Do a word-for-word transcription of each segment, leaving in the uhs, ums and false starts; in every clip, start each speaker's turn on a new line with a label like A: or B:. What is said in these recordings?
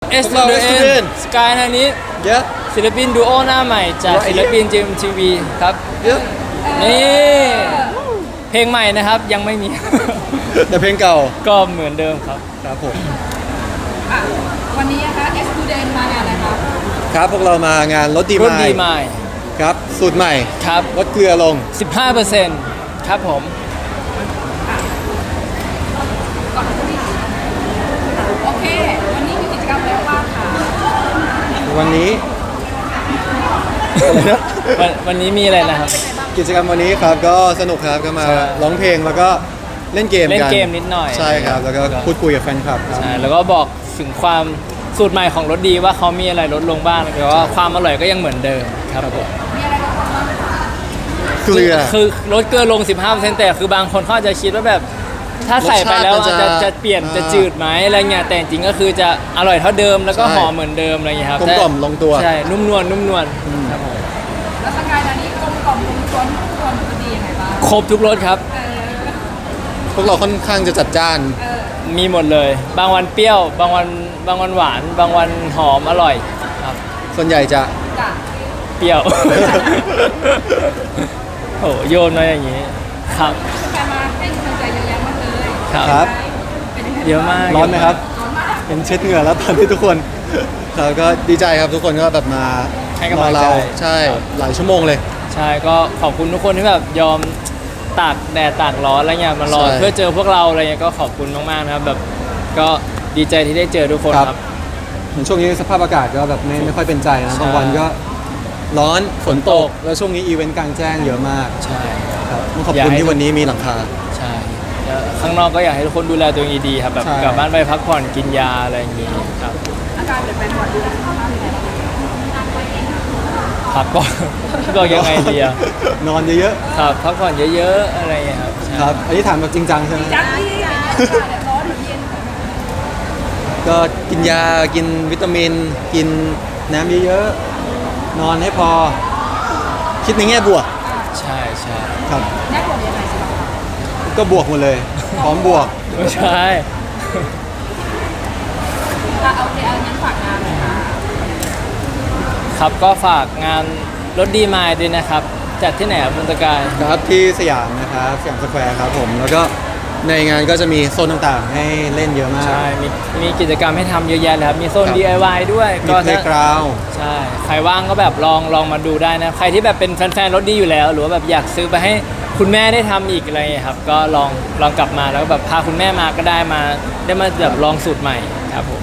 A: S to the N สกายนานี้
B: เยอะ
A: ศิลปินดูโอหน้าใหม่จากศิลปิน จี เอ็ม ที วี ครับ
B: เยอะ
A: นี่เพลงใหม่นะครับยังไม่มี
B: แต่เพลงเก่า
A: ก็เหมือนเดิมครับ
B: ครับผม
C: อ่ะวันนี้นะคะ S to the N มางานอะไรคะ
B: ครับพวกเรามางานรถดี
A: รุ่น
B: ไม
A: ดี
B: ล์
A: ใหม่
B: ครับสูตรใหม่
A: ครับ
B: ลดเกลือลง
A: สิบห้าเปอร์เซ็นต์ ครับผม
C: ก่อนที่โอเค วันนี้มีกิจกรรมอะไรบ้างคะ
B: วันนี้
A: วันวันนี้มีอะไรนะครับ
B: กิจกรรมวันนี้ครับก็สนุกครับก็มา
A: ใช่
B: ร้องเพลงแล้วก็เล่นเกมกัน
A: เล่นเกมนิดหน่อย
B: ใช่ครับแล้วก็พูดคุยกับแฟนคลับครับ
A: ใช่แล้วก็บอกถึงความสูตรใหม่ของรสดีว่าเขามีอะไรลดลงบ้างแต่ว่าความอร่อยก็ยังเหมือนเดิมครับผม
C: มีอะไรบ้างคะ
B: เกลือ
A: คือลดเกลือลง สิบห้าเปอร์เซ็นต์ แต่คือบางคนเขาอาจจะคิดว่าแบบถ้าใส่ไปแล้ว
B: รส
A: อา
B: ชา
A: จ
B: ติ
A: จะ
B: มันจะ
A: จะเปลี่ยน
B: อ่า
A: จะจืดไหมอะไรเงี้ยแต่จริงๆก็คือจะอร่อยเท่าเดิมแล้วก็
B: ใช่
A: หอมเหมือนเดิมอะไรเงี้ยครับ
B: กลมกล่อมลงตัว
A: ใช่นุ่มนวลนุ่มนวลครับผม
C: แล้วสกายนานี้กลมกล่อมกลมกล่อมทุกคนจะดียังไงบ้าง
A: ครบทุกรสครับ
C: เออ
B: พวกเราค่อนข้างจะจัดจ้าน
C: เออ
A: มีหมดเลย บางวันเปรี้ยว บางวันบางวันหวาน บางวันหอมอร่อยครับ
B: ส่วนใหญ่จะ
C: จ้ะ
A: เปรี้ยว โหโยนมาอย่างนี้ครับ
C: สกายมาให้กำลังใจเยอะแยะมากเลย
A: ครับ
B: ครับ
C: เป็นยังไง
A: เยอะมาก
B: ร้อนไหมครับ
C: ร้อนมาก
B: เป็นเช็ดเหงื่อแล้วตอนที่ทุกคนเราก็ดีใจครับทุกคนก็แบบมา
A: ให้กำลังใจ
B: รอเราใช่หลายชั่วโมงเลย
A: ใช่ก็ขอบคุณทุกคนที่แบบยอมตากแดดตากร้อนอะไรเงี้ยมารอ
B: ใช่
A: เพื่อเจอพวกเราอะไรเงี้ยก็ขอบคุณมากๆนะครับแบบก็ดีใจที่ได้เจอทุกคน
B: ครับ
A: ครับ
B: เหมือนช่วงนี้สภาพอากาศก็แบบไม่ไม่ค่อยเป็นใจนะ
A: ใช่
B: บางวันก็ร้อนฝนตก แล้วช่วงนี้อีเวนต์กลางแจ้งเยอะมาก
A: ใช่
B: ครับต้องขอบ
A: อยาก
B: คุณ
A: ให้
B: ที่วันนี้มีหลังคา
A: ใช่แล้วข้างนอกก็อยากให้ทุกคนดูแลตัวเองดีๆครับแบบ
B: ใช่
A: กลับบ้านไปพักผ่อนกินยาอะไรอย่างงี้ครับ
C: อาการเปลี่ยนแปลงบ่อยดูแลสุขภาพยังไงบ้าง
A: พักก่อน ก็ยังไงดีอะ
B: นอนเยอะ
A: ครับพักผ่อนเยอะๆอะไรอย่างเงี้ยครับใช่
B: ๆครับอันนี้ถามแบบจริงจังใช่ไหม
C: จังที่อย่างเงี้ยค่ะเดี๋ยวร้อนหรือเย็น
B: ก็กินยากินวิตามิน กินน้ำเยอะๆนอนให้พอ คิดในแง่บวก
A: ใช่ใช่
B: ครับ
C: แน่กว่ายังไงสิคะ
B: ก็บวกหมดเลยพร้อมบวก
A: ไม่ใช่
C: อ่ะโอเคเอางั้นฝากงานเลยค่ะ
A: ครับก็ฝากงานรถดีมายด้วยนะครับจัดที่ไหนครับคุณตะกาย
B: ครับที่สยามนะครับสยามสแควร์ครับผมแล้วก็ในงานก็จะมีโซนต่างๆ ให้เล่นเยอะมาก
A: ใช่มีมีกิจกรรมให้ทำเยอะแยะเลยครับมีโซน
B: ครับ
A: ดี ไอ วาย ด้วย
B: มี
A: ก็
B: เพล
A: ถ้า
B: ย์กราวด์
A: ใช่ใครว่างก็แบบลองลองมาดูได้นะใครที่แบบเป็นแฟนๆรถดีอยู่แล้ว หรือว่าแบบอยากซื้อไปให้คุณแม่ได้ทำอีกอะไรอย่างเงี้ยครับก็ลองลองกลับมาแล้วก็แบบพาคุณแม่มาก็ได้มาได้มาแบบลองสูตรใหม่ครับผม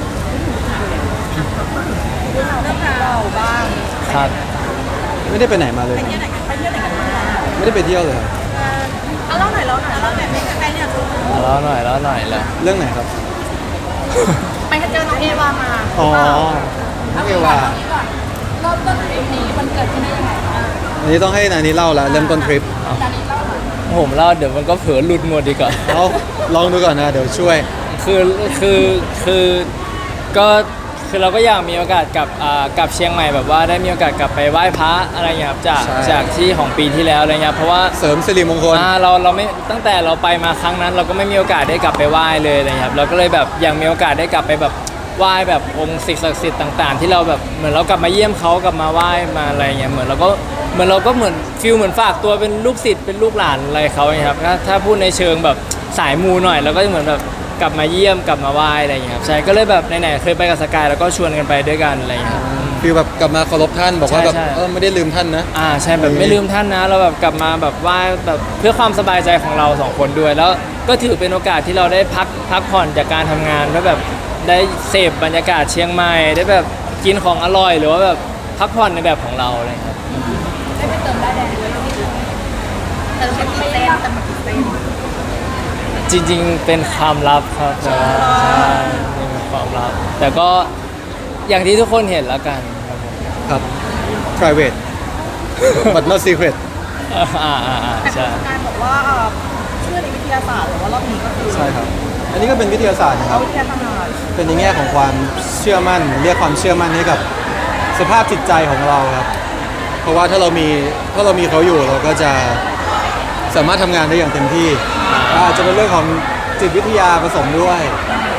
C: เรื่องราวบ้าง
A: ครับ
B: ไม่ได้ไปไหนมาเลย
C: ไปเที่ยวไหนกันไปเที่ยวไหนกันมา
B: ไม่ได้ไปเที่ยวเลยครับ
C: เอาเล่าหน่อยเล่าหน่อยเล่าหน่อยเป็นใครเนี่ย
A: แล้วหน่อยแล้วหน่อยแล้ว
B: เรื่องไหนครับ
C: ไปเจอน้องเอวามา
B: อ๋อน้องเอวา
C: ก่อนเริ่มต้นทริปนี้มันเกิดขึ้นได้ยังไงบ้าง
B: อันนี้ต้องให้นานี้เล่าแล้วเริ่มต้นทริป
C: ตอนนี้เล่าหน่อย
A: ผมเล่าเดี๋ยวมันก็เผลอหลุดหมดดีกว่า
B: เอาลองดูก่อนนะเดี๋ยวช่วย
A: คือคือคือก็คือเราก็อยากมีโอกาสกลับอ่ากลับเชียงใหม่แบบว่าได้มีโอกาสกลับไปไหว้พระอะไรเงี้ยครับจาก
B: ใช่
A: จากที่ของปีที่แล้วอะไรเงี้ยเพราะว่า
B: เสริมสิริมงคล
A: อ่าเราเราไม่ตั้งแต่เราไปมาครั้งนั้น เราก็ไม่มีโอกาสได้กลับไปไหว้เลยอะไรเงี้ยครับเราก็เลยแบบอยากมีโอกาสได้กลับไปแบบไหว้แบบองค์สิ่งศักดิ์สิทธิ์ต่างๆ ที่เราแบบเหมือนเรากลับมาเยี่ยมเขากลับมาไหว้มาอะไรเงี้ยเหมือนเราก็เหมือนเราก็เหมือนฟิลเหมือนฝากตัวเป็นลูกศิษย์เป็นลูกหลานอะไรเขาเงี้ยครับถ้าถ้าพูดในเชิงแบบสายมูหน่อยเราก็เหมือนแบบกลับมาเยี่ยมกลับมาไหว้อะไรเงี้ยครับใช่ก็เลยแบบไหนๆเคยไปกับสกายแล้วก็ชวนกันไปด้วยกันอะไรเงี้ยครับ
B: ฟีลแบบกลับมาเคารพท่านบอกว่า
A: ใช่
B: แบบ
A: ใช่
B: เออไม่ได้ลืมท่านนะ
A: อ่าใช่แบบไม่ลืมท่านนะเราแบบกลับมาแบบไหว้แบบเพื่อความสบายใจของเราสองคนด้วย แล้วก็ถือเป็นโอกาสที่เราได้พักพักผ่อนจากการทำงานแล้วแบบได้เสพบรรยากาศเชียงใหม่ได้แบบกินของอร่อยหรือว่าแบบพักผ่อนในแบบของเราอะไรครับ
C: ได้ไปเติมได้แดงด้วยแต่เราเป็นเต้นแต่มันเต้น
A: จริงๆเป็นความลับครับแต่ว่าใช่เป็นความลับ แต่ก็อย่างที่ทุกคนเห็นแล้วกันครับผม
B: ครับ private but not secret
A: อ่าอ่าอ่าอ่าใช่
C: การบอกว่าเชื่อในวิทยาศาสตร์หรือว่ารอบนี้ก็คือ
B: ใช่ครับ อันนี้ก็เป็นวิทยาศาสตร์นะค
C: เอา
B: รับ
C: วิทยาศาสตร์
B: เป็นในแง่ของความเชื่อมั่น เรียกความเชื่อมั่นให้กับสภาพจิตใจของเราครับ เพราะว่าถ้าเรามีถ้าเรามีเขาอยู่เราก็จะสามารถทำงานได้อย่างเต็มที่อาจจะเป็นเรื่องของจิตวิทยาผสมด้วย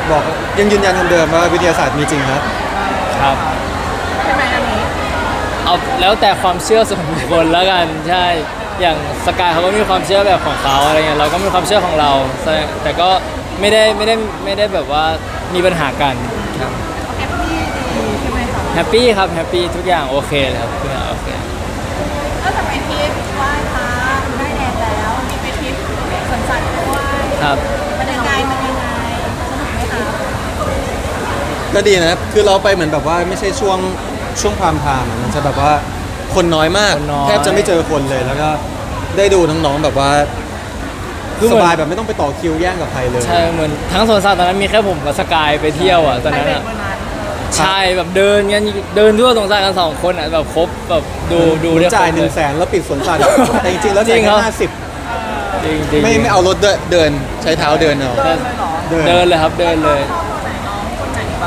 B: บอกยังยืนยันคำเดิมว่าวิทยาศาสตร์มีจริงครับ
A: ครับ
C: ใช่ไหมอันนี้
A: เอาแล้วแต่ความเชื่อส่วนบุคคลแล้วกันใช่อย่างสกายเขาก็มีความเชื่อแบบของเขาอะไรเงี้ยเราก็มีความเชื่อของเราแต่แต่ก็ไม่ได้ไม่ได้ไม่ได้แบบว่ามีปัญหากันครับ
C: แฮปปี้ดีใช่ไหมคะ
A: แฮปปี้ครับแฮปปี้ทุกอย่างโอเคเลยครับทุกอย่างโอเค
C: ก็จะไปทริปไหว้พระได้แดดแล้วมีไปทริปสวนสัตว์ด้วย
A: ครับ
C: เป็นยังไงเป็นยังไงสนุกไหมคะ
B: ก็ดีนะครับคือเราไปเหมือนแบบว่าไม่ใช่ช่วงช่วงพรามไทม์อะมันจะแบบว่าคนน้อยมาก
A: คนน้อย
B: แทบจะไม่เจอคนเลยแล้วก็ได้ดูน้องๆแบบว่า
A: คือเห
B: ส
A: มือน
B: บายแบบไม่ต้องไปต่อคิวแย่งกับใครเลย
A: ใช่เหมือนทั้งสวนสัตว์ตอนนั้นมีแค่ผมกับสกายไปเที่ยวอ่ะตอนนั้นอ่ะ
C: วันนั้น
A: ใช่แบบเดินกันเดินทั่วสวนสัตว์กันสองคนอ่ะแบบครบแบบดูดู
B: เหมือน
A: ได้คร
B: จ่าย
A: บ
B: ห
A: เล
B: นึ่
A: ย
B: งแสนแล้วปิดสวนสัตว์แต่จริงๆแล้วจ่าย
A: จริง
B: แค่
A: ครับ
B: ห้าสิบ
A: จริงจริง
B: ไม่ไม่เอารถด้วยเดินใช้เท้าเดินเอา
C: เดินเลยเหรอ
B: เดิน
A: เดินเลยครับเดินเลย
C: ชอบตัวไหนน้องคนไหนบ้าง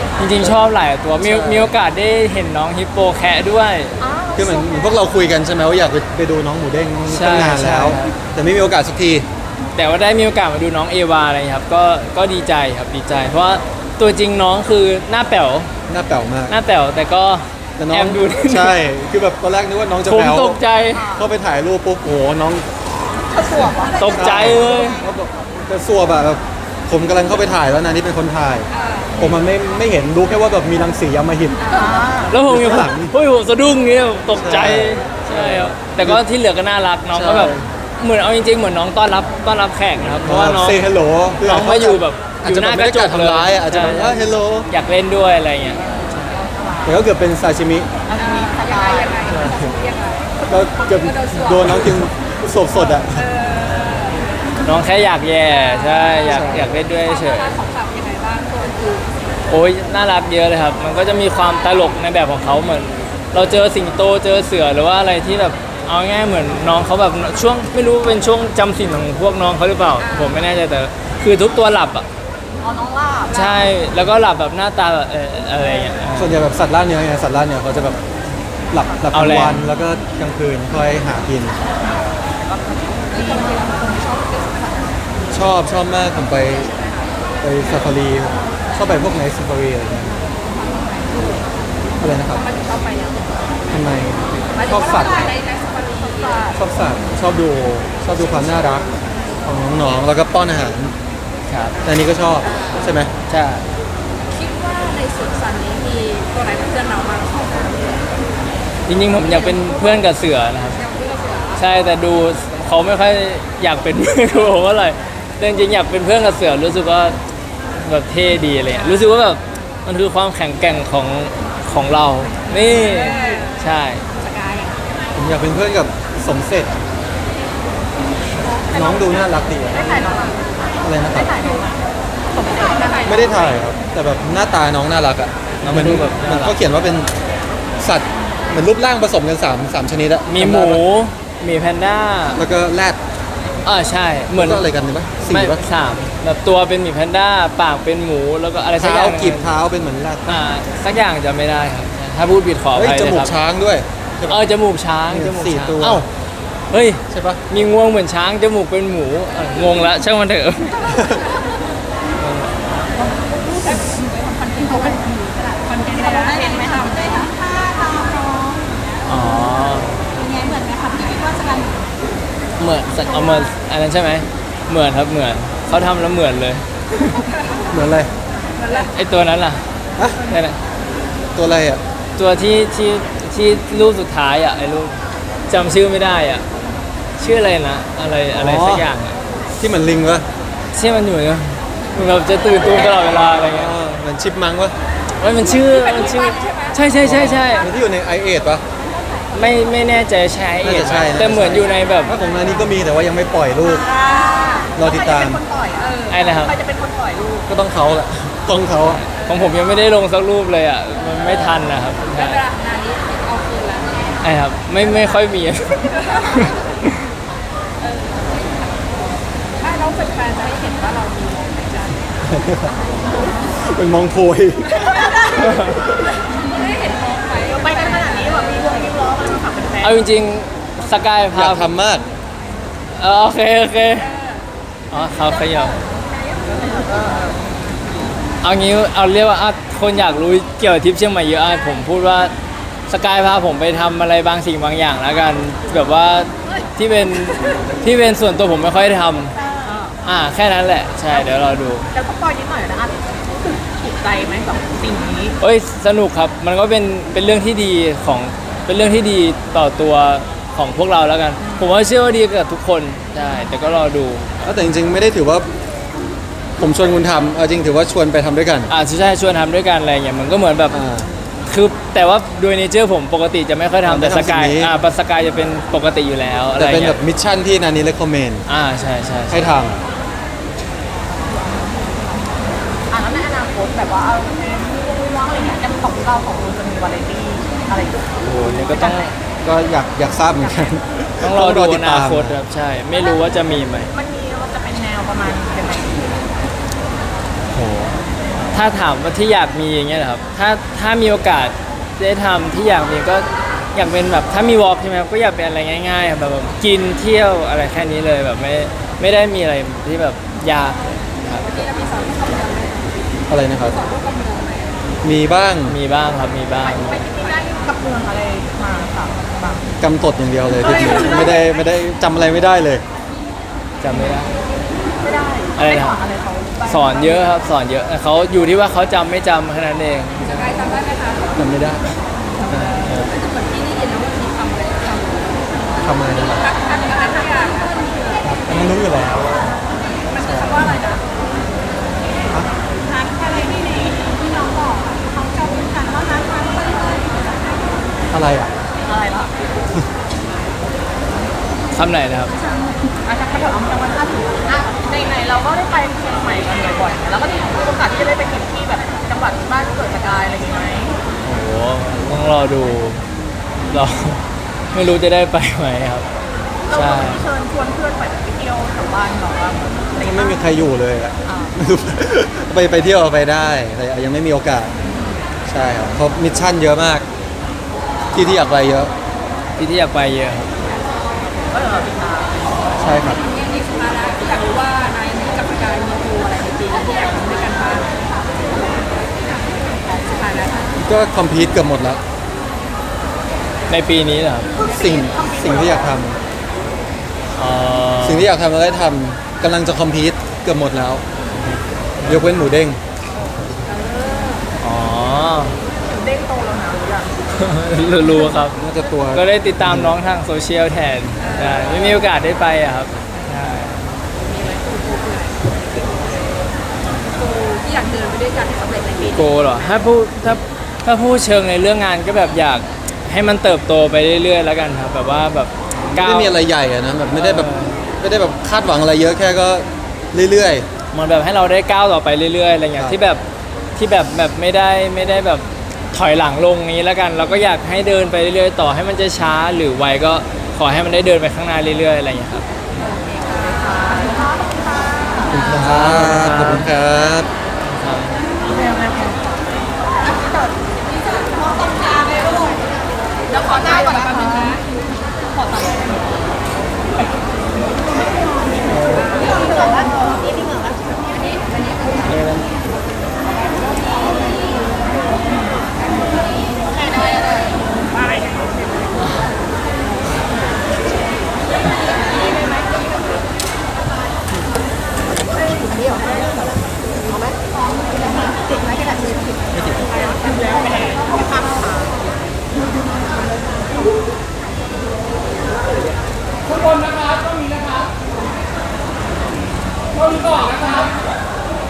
A: จริงๆชอบหลายตัวมีมีโอกาสได้เห็นน้องฮิปโปแคะด้วย
B: คือเหมือนเหมือนพวกเราคุยกันใช่ไหมว่าอยากไปไปดูน้องหมูเด้ง
A: ใช่
B: ตั้งนานแล้ว
A: ใช่
B: แต่ไม่มีโอกาสสักที
A: แต่ว่าได้มีโอกาสมาดูน้องเอวาอะไรอย่างเงี้ยครับก็ก็ดีใจครับดีใจ เพราะว่าตัวจริงน้องคือหน้าแป๋ว
B: หน้าแป๋วมาก
A: หน้าแป๋วแต่ก็
B: แต่น้อ
A: แอง บดูนิดนึง
B: ใช่คือแบบตอนแรกนึกว่าน้องจะ
A: ผม
B: แป๋ว
A: ตกใจ
B: เข้าไปถ่ายรูปปุ๊บโอ้โหน้อง
C: เขาสวม
A: ตกใจเลย
B: เขาบอกจะสัวแบบผมกำลังเข้าไปถ่ายแล้วนะนี่เป็นคนถ่าย ผมมันไม่ไม่เห็นรู้แค่ว่าแบบมีรังสีอำมหิต
A: แล้วผมยัง
B: ข้างหลัง
A: เฮ้ยผมสะดุ้งเงี้ยตกใจ
B: ใช่
A: ใช่ครับแต่ก็ที่เหลือก็น่ารักน้องก็แบบ
B: ใช่
A: เหมือนเอาจริงๆเหมือนน้องต้อนรับต้อนรับแขกนะครับเพราะว่าน้อง
B: เซฮัลโหล
A: น้องมาอยู่แบบ
B: อาจจะแบบไม่ได้การทำร้ายอะอาจจะแบบ
A: ใช่
B: ว่าเฮลโหล
A: อยากเล่นด้วยอะไรเงี้ย
B: แต่ก็เกือบเป็นซาชิมิ
C: อันนี้สบายยังไงยังไง
B: แล้วเกือบโดนน้องกินสดสดๆอ่ะ
A: น้องแค่อยากแย่ใช่อยาก
B: ใช่
A: อยากเล่นด้วยเฉย
C: ของสัตว์ยังไงบ้างตัวอื่น
A: โอ้ยน่ารักเยอะเลยครับ มันก็จะมีความตลกในแบบของเขาเหมือน เราเจอสิงโตเจอเสือหรือว่าอะไรที่แบบเอาง่ายๆเหมือนน้องเขาแบบช่วงไม่รู้เป็นช่วงจำศีลของพวกน้องเขาหรือเปล่า ผมไม่แน่ใจแต่คือทุกตัวหลับอ่ะ
C: อ๋อน้องลาบ
A: ใช่แล้วก็หลับแบบหน้าตาแบบเอ่ออะไรอย่างเงี้ย
B: ส่วนใหญ่แบบสัตว์ล่าเนื้อไงสัตว์ล่าเนื้อเขาจะแบบหลับหลับก
A: เอา
B: ลาง
A: แรง
B: วันแล้วก็กลางคืนค่อยหากิน ชอบชอบมากผมไปไปซาฟารีชอบไปพวกไหนซาฟารีอะไรเงี้ยอะไรนะครับ
C: มันชอบไปยัง
B: ทำไมชอบสัตว์
C: ในในสปารีชอบสัตว์
B: ชอบสัตว์ชอบดูชอบดูความน่ารักของน้องๆแล้วก็ป้อนอาหาร
A: ครับ
B: แต่อันนี้ก็ชอบใช่ไหม
A: ใช่
C: คิดว่าในสวนสัตว์นี้มีตัวไหนเป็นเพื่อนเราบ้างชอบกัน
A: จริงๆผมอยากเป็นเพื่อนกับเสือนะครับ
C: ยังเพื่อนเสือ
A: ใช่แต่ดูเขาไม่ค่อยอยากเป็นเพื่อนกับผมเท่าไหร่แต่จริงๆอยากเป็นเพื่อนกับเสือรู้สึกว่าแบบเท่ดีอะไรเลยรู้สึกว่าแบบมันคือความแข็งแกร่งของของเรา นี่ใช่
C: สกาย
B: ผมอยากเป็นเพื่อนกับสมเสร็จ น้องดูน่ารักดีอะ
C: ได้ถ่ายน้องอ่ะ
B: อะไรนะครับ
C: ถ่ายน้องอ่ะผมไม่ถ่ายถ่าย
B: ไม่ได้ถ่ายครับ แต่แบบหน้าตาน้องน่ารักอ่ะ
A: น้อง
B: เหมือน
A: ดูแบบ
B: เหมือน
A: น่ารัก
B: เขาเขียนว่าเป็นสัตว์เหมือนรูปร่างผสมกันสามสามชนิดอะ
A: มีห
B: จำ
A: มู
B: ได้ปะ
A: มีแพนด้า
B: แล้วก็แรด
A: อ่าใช่เหมือน
B: แล้วก็อะไรกันเนี่ยปะสี่
A: ไม่
B: ปะ
A: สามแบบตัวเป็นหมีแพนด้าปากเป็นหมูแล้วก็อะไรสักอ
B: เท้า
A: ย่าง
B: กีบเท้าเป็นเหมือนแรด
A: อ่าสักอย่างจะไม่ได้ครับ ถ้าพูดผิดขออ
B: เฮ้ย
A: ภัย
B: จ
A: นะ
B: มู
A: ค
B: ก
A: รับ
B: ช้างด้วย
A: เออจมูกช้างจมูก
B: สี่
A: ช้าง
B: ตัว
A: เอ้าเฮ้ย
B: ใช่ปะ
A: มีงวงเหมือนช้างจมูกเป็นหมูเอ่องงละช่างมันเถอะ
C: คอนเทนต์เขาเป็นคอนเทนต์อะไรเห็นไหมคะได้ทั้งท่าตามน้อง
A: อ๋อ
C: เป็นไงเหมือนไหมคะพี่คิดว่าสกาย
A: เหมือนสักเอามาอันนั้นใช่ไหมเหมือนครับเหมือนเขาทำแล้วเหมือนเลย
B: เหมือนอะไร
A: ไอตัวนั้นล่ะ
B: ฮะ
A: นั่นแหละ
B: ตัวอะไรอ่ะ
A: ตัวที่ที่ที่รูปสุดท้ายอ่ะไอรูปจำชื่อไม่ได้อ่ะชื่ออะไรนะอะไรอะไรสักอย่างอ่ะ
B: ที่เหมือนลิงวะ
A: ที่มันอยู่เนี่ยมันแบบจะตื่นตูมตลอดเวลาอะไรเงี้ย
B: อ๋อเหมือนชิปมังวะ
A: เว้ยมันชื่อมันชื่อใช่ใช่ใช่ใช่
B: เหมือนที่อยู่ในไอเอทปะ
A: ไม่ไม่แน่ใจใช้เอ
B: น่า
A: ท
B: จะใช่นะ
A: แต่เหมือนอยู่ในแบบ
B: ถ้าของนานี้ก็มีแต่ว่ายังไม่ปล่อยลูก รอติดตาม
C: ใครจะเป็นคนปล่อยเออ
A: ไอ้นะครับ
C: ใครจะเป็นคนปล่อยลูก
B: ก็ต้องเขาแหละต้องเขาอะ
A: ของผมยังไม่ได้ลงสักรูปเลยอ่ะมันไม่ทันนะครับ
C: ได้เวลานานี้เอาคืนแล้ว
A: ไอ้ครับไม่ไม่ค่อยมี
C: ถ้าน้องเป็นแฟนจะได้เห็นว่าเรามีลมหายใจ
B: เป็นมองโพย
C: ได้เห็นมองไปไปกันขนาดนี้แบบมีวงมีล้อมันฝากเป็นแฟน
A: เอาจริงๆสกาย
B: อ
A: พาย
B: ากทำมาก
A: เออโอเคโอเคอ๋อเขาขยับเอางี้เอาเรียกว่าอ่ะคนอยากรู้เกี่ยวกับทริปเชียงใหม่เยอะอ่ะผมพูดว่าสกายพาผมไปทำอะไรบางสิ่งบางอย่างแล้วกันแบบว่าที่เป็นที่เป็นส่วนตัวผมไม่ค่อยได้ทำอ่าแค่นั้นแหละใช่เดี๋ยวเราดู
C: แล้วก็ปล่อยนิดหน่อยนะอ่ะรู้สึกถูกใจไหมกับสิ่งนี้
A: เอ้ยสนุกครับมันก็เป็นเป็นเรื่องที่ดีของเป็นเรื่องที่ดีต่อตัวของพวกเราแล้วกัน ผมว่าเชื่อว่าดีกับทุกคนใช่แต่ก็รอดู
B: แต่จริงๆไม่ได้ถือว่าผมชวนคุณทำเอาจริงถือว่าชวนไปทำด้วยกัน
A: อ่าใช่ชวนทำด้วยกันอะไรอย่างเงี้ยมันก็เหมือนแบบ
B: อ่า
A: คือแต่ว่าโดยเนเจอร์ผมปกติจะไม่ค่อย
B: อ่า
A: ทำแต่
B: ไม่
A: ส
B: ทำ
A: กาย
B: สิ่งนี้
A: อ่าปัสกายจะเป็นปกติอยู่แล้วอะไร
B: แต่เป็น
A: เงี้
B: แบ
A: ย
B: บมิชชั่นที่นานี้เลคคอมเมนต์
A: อ่าใช่ใช่
B: ให้ท
C: อ่ะแล้วในอนาคตแบบว่าเอาว่างอะไรเงี้ยจะของเราของเราจะมีวาไรตี้อะไรอยู่
A: โอ้โหนี่ก็ต้อง
B: ำก็อยากอยากทราบเหมือนกัน
A: ต้องรอดู
B: ติ
A: อ
B: ด
A: นา
B: ตาม
A: คตครับใช่ ไม่รู้ว่าจะมีไหม
C: มันมีมันจะเป็นแนวประมาณยังไง
A: โหถ้าถามว่าที่อยากมีอย่างเงี้ยเหรอครับถ้าถ้ามีโอกาสได้ทำที่อยากมีก็อยากเป็นแบบถ้ามีวอล์กใช่ไหมครับก็อยากเป็นอะไรง่ายๆครับแบบแบบกินเที่ยวอะไรแค่นี้เลยแบบไม่ไม่ได้มีอะไรที่แบบยากครับ
B: อะไรนะครับ มีบ้าง
A: มีบ้างครับมีบ้าง
C: ไปที่ได้กับเมืองอะไรมาค่ะแบบ
B: กำตดอย่างเดียวเลยที่ไม่ได้ไม่ได้จำอะไรไม่ได้เลย
A: จำไม่ได้
C: ไม่ได้
A: อะไรนะ
C: ม่สอนอะไรเขาบ้าง
A: สอนเยอะครับสอนเยอะแต่เขาอยู่ที่ว่าเขาจำไม่จำแค่นั้นเอง
C: ใครจำได้ไหมคะ
B: จำไม่ได้
C: เหมือนที่ได้ยินนะว่ามีคำอะไรคำ
B: ทำอะไรนะครับ
C: อันนี้อะไรสักอย่างนะ
B: อันนั้นรู้อยู่แล้ว
C: มันคือคำว่าอะไรนะทักอะไรที่ในที่น้องบอกอะเขาจำทันว่านั้นทักไปเลย
B: อะไรอ่ะ
C: อะไรล่ะ
A: คำไหนนะครับ
C: อาจจะกระเถิบจังหวัดท่าถึงอ่ะในไหนๆเราก็ได้ไปเชียงใหม่กันบ่อยๆแล้วก็มีโอกาสที่จะได้ไปเห็นที่แบบจังหวัดบ้านเกิดสกายอะไรอย่างงี้ไหม
A: โอ้โหต้องรอดูเรา ไม่รู้จะได้ไปไหมครับ
C: เรา
A: ใช่
C: ก็มีเชิญชวนเพื่อนไปไปเที่ยวแถวบ้านเราว่าอะไร
B: ไม่มีใครอยู่เลยอะ
C: อ่า
B: ไม่รู้ ไปไปเที่ยวไปได้แต่ยังไม่มีโอกาส ใช่ครับเพราะมิชชั่นเยอะมาก ที่ที่อยากไปเยอะ
A: ที่ที่อยากไปเยอะครับ
C: ก็เดี๋ยวเราติดตาม
B: ใช่ครับ
C: ยังมีสุดท้ายแล้วอยากรู้ว่านายกับสกายมีตัวอะไรในปีนี้ที่อยากทำด้วยกันบ้างสุดท้ายแล้ว
B: ก็คอมพีทเกือบหมดแล้ว
A: ในปีนี้เหรอครับ
B: สิ่งสิ่งที่อยากท
A: เอ่อ
B: ำสิ่งที่อยากทำเราได้ทำกำลังจะคอมพีทเกือบหมดแล้ว ยกเว้นหมูเด้ง
A: อ๋อ
C: เด้งโตแล้วนะหรือยัง
A: รู้ครับ
B: น่าจะตัว
A: ก็ได้ติดตามน้องทางโซเชียลแทนใช่ไม่มีโอกาสได้ไปอะครับใช่
C: ที่อยากเดินไปด้วยกันให้สำเร็จในปี
A: โกเหรอถ้าพูดถ้าถ้าพูดเชิงในเรื่องงานก็แบบอยากให้มันเติบโตไปเรื่อยๆแล้วกันครับแบบว่าแบบก้าว
B: ไม่มีอะไรใหญ่อะนะแบบไม่ได้แบบ
A: เออ
B: ไม่ได้แบบคาดหวังอะไรเยอะแค่ก็เรื่อย
A: เหมือนแบบให้เราได้ก้าวต่อไปเรื่อยๆอะไรเงี้
B: ค
A: ย
B: รับ
A: ที่แบบที่แบบแบบไม่ได้ไม่ได้แบบถอยหลังลงนี้แล้วกัน เราก็อยากให้เดินไปเรื่อยๆต่อให้มันจะช้าหรือไวก็ขอให้มันได้เดินไปข้างหน้าเรื่อยๆอะไรอย่างเงี้ยครับ
B: ๆครับขอบคุณครับ
C: แล้วขอหน้าก่อนนะคะขอตัดนี่พี่เหมือนอันนี้อันนี้